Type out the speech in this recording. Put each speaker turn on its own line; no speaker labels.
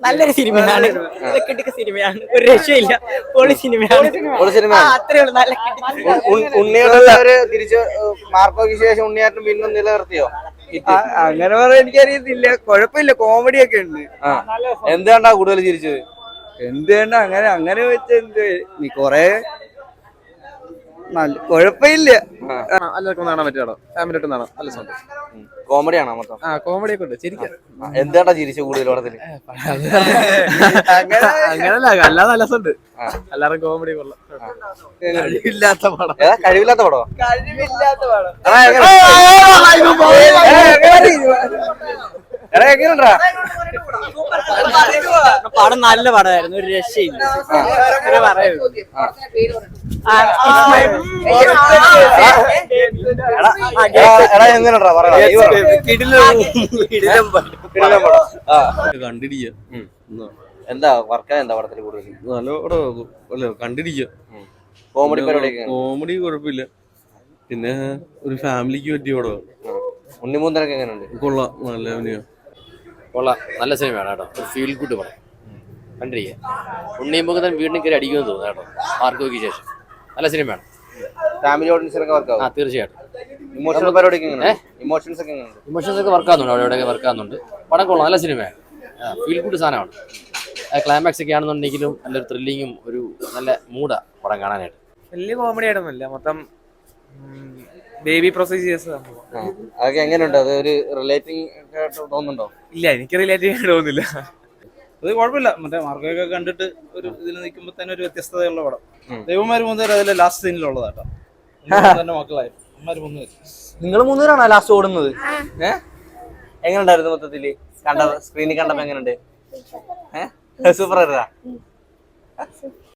നല്ലൊരു സിനിമയാണ്, കിട്ടിയ സിനിമയാണ്, ഒരു രക്ഷയില്ല, പൊളി സിനിമയാണ്. അത്രേ ഉള്ളൂ, നല്ല
ഉണ്ണിയേട്ടന് തിരിച്ച് മാർക്കോയ്ക്ക് ശേഷം ഉണ്ണിയേട്ടൻ വീണ്ടും നിലനിർത്തിയോ?
അങ്ങനെ പറയാൻ എനിക്കറിയത്തില്ല, കുഴപ്പമില്ല, കോമഡി ഒക്കെ ഉണ്ട്.
എന്തുകൊണ്ടാ കൂടുതൽ ചിരിച്ചത്?
എന്തുകൊണ്ടാ അങ്ങനെ അങ്ങനെ വെച്ച എന്ത് നീ കൊറേ നല്ല കുഴപ്പമില്ല.
എല്ലാവർക്കും കാണാൻ പറ്റിയാണോ? ഫാമിലി ആയിട്ട് കാണാം, നല്ല സന്തോഷം.
കോമഡി ആണോ മൊത്തം?
കോമഡി ഒക്കെ ഉണ്ട്, ശരിക്കും.
എന്തുകൊണ്ടാ ചിരിച്ചു കൂടുതൽ പടത്തിന്?
അങ്ങനല്ല, അല്ലാതെ നല്ല രസമുണ്ട്. എല്ലാവരും കോമഡി കൊള്ളാം.
കഴിവില്ലാത്ത പടം.
കഴിവില്ലാത്ത പടോ?
കഴിവില്ലാത്ത പടം.
പടം നല്ല പടമായിരുന്നു, ഒരു രക്ഷയില്ല.
കണ്ടിരിക്കുക.
എന്താ വർക്ക് എന്താ പടത്തിൽ കൂടുതൽ?
നല്ല പടം കണ്ടിരിക്കുക.
കോമഡി
കുഴപ്പമില്ല, പിന്നെ ഒരു ഫാമിലിക്ക് പറ്റിയ പടം.
ഉണ്ണിമൂന്തനൊക്കെ എങ്ങനെയുണ്ട്?
കൊള്ളാം, നല്ല അഭിനയം.
കൊള്ളാം, നല്ല സിനിമയാണ് കേട്ടോ, ഒരു ഫീൽ ഗുഡ് പടം കണ്ടിരിക്കുക. ഉണ്ണിയമ്പുഖത്തൻ വീണ്ടും കയറി അടിക്കുമെന്ന് തോന്നുന്നു കേട്ടോ, മാർക്കോയ്ക്ക് ശേഷം. നല്ല സിനിമയാണ്,
ഫാമിലി ഓഡിയൻസിനൊക്കെ വർക്ക് ആവും.
തീർച്ചയായിട്ടും.
ഇമോഷണൽ പരിപാടിയൊക്കെ ഇമോഷൻസ് ഒക്കെ എങ്ങനെയുണ്ട്?
ഇമോഷൻസ് ഒക്കെ വർക്ക് ആകുന്നുണ്ട്, അവിടെ ഇവിടെയൊക്കെ വർക്ക് ആകുന്നുണ്ട്. പടം കൊള്ളാം, നല്ല സിനിമയാണ്, ഫീൽ ഗുഡ് സാധനമാണ്. ക്ലൈമാക്സ് ഒക്കെ ആണെന്നുണ്ടെങ്കിലും നല്ലൊരു ത്രില്ലിങ്ങും ഒരു നല്ല മൂഡാണ് പടം കാണാനായിട്ട്.
വലിയ കോമഡി ആയിട്ടൊന്നുമില്ല, മൊത്തം ബേബി പ്രൊസീജിയേഴ്സ്.
അതൊക്കെ എങ്ങനെയുണ്ട്? അത് ഒരു റിലേറ്റിംഗ് തോന്നുന്നുണ്ടോ?
ഇല്ല, എനിക്ക് റിലേറ്റ് ചെയ്യാൻ തോന്നുന്നില്ല.
അത് കുഴപ്പമില്ല, മറ്റേ മാർക്കൊക്കെ കണ്ടിട്ട് ഒരു ഇതിൽ നിൽക്കുമ്പോ തന്നെ ഒരു വ്യത്യസ്തതയുള്ള പടം. ദൈവന്മാര് മൂന്നുപേരും അതിലെ ലാസ്റ്റ് സീനിലുള്ളതാട്ടോ, തന്നെ മക്കളായിരുന്നു.
നിങ്ങൾ മൂന്നുപേരാണോ ലാസ്റ്റ് ഓടുന്നത്? എങ്ങനെയുണ്ടായിരുന്നു മൊത്തത്തില് കണ്ട സ്ക്രീനിൽ കണ്ടപ്പോ? എങ്ങനെയുണ്ട്? സൂപ്പർ ആയിരുന്നാ?